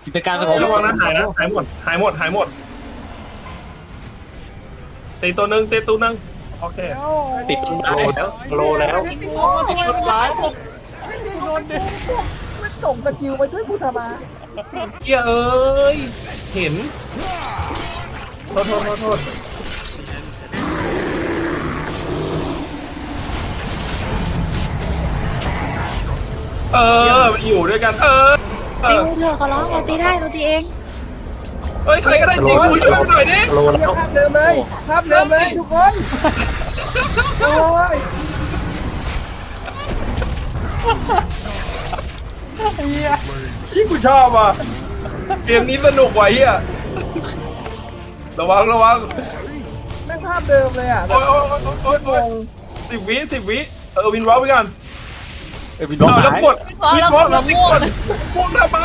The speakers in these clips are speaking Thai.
กิจการระวังนะหายนะหายหมดหายหมดหายหมดตีตัวหนึ่งตีตัวหนึ่งโอเคติดต้นไม้โลแล้วติดต้นไม้ผมไม่ส่งสกิลไปช่วยกูทำไมเกียเอ้ยเห็นโทษมันอยู่ด้วยกันติวเธอเขาร้องเราตีได้เราตีเองเฮ้ยใครก็ได้จริงกูช่วยหน่อยดิโลแล้วภาพเดิมเลยภาพเดิมเลยทุกคนโอ้ยที่กูชอบอ่ะเกมนี้สนุกว่ะเฮียระวังแม่งภาพเดิมเลยอ่ะโอ้ย10 วิวินวอล์กไปกันวินร้องแล้วหายกดวินวอล์กแล้วกดพวกทำไม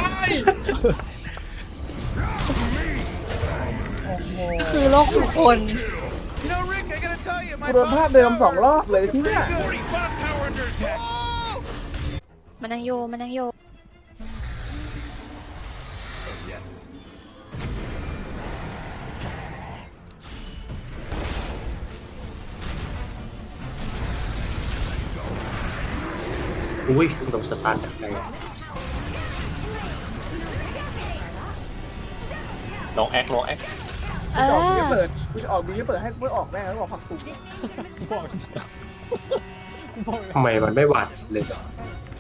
ก็คือโลกทุกคนกูโดนภาพเดิม2 รอบเลยที่เนี่ยมันยังโยมันยังโยอุ้ยโดนสตาร์ทจากไหนลองแอคเอออกอบีเปิดกูจะออกบีเปิดให้กูออกแม่งแล้วออกผักตุ้งทำไมมันไม่หวานเลย